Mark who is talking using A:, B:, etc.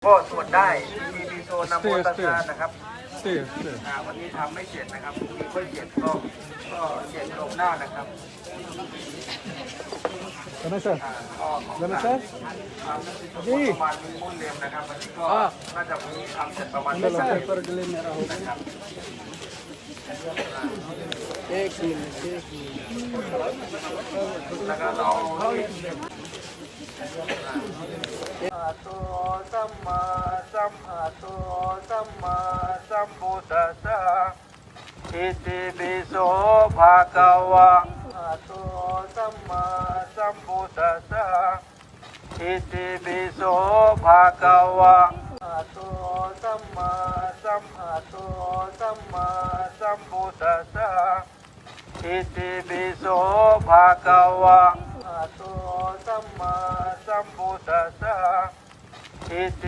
A: ก็สวดได้มีโซนนโมตัสสะนะครับวันนี้ทำไม่เสร็จนะครับมีค่อยเสร็จก็เสร็จลงหน้านะครับ
B: Mana sir? Mana sir?
A: ประมาณมีมุ่นเรียมนะครับวันนี้ก็น่าจะมีทำเสร็จประมาณนี้นะครับแล้วก็เราตัวสัมมาสัมพุทธัสสะอิติปิโสภะคะวะตัวสัมมาสัมพุทธัสสะอิติปิโสภะคะวะตัวสัมมาสัมพุทธัสสะอิติปิโสภะคะวะตัวสัมมาสัมพุทธัสสะอิติ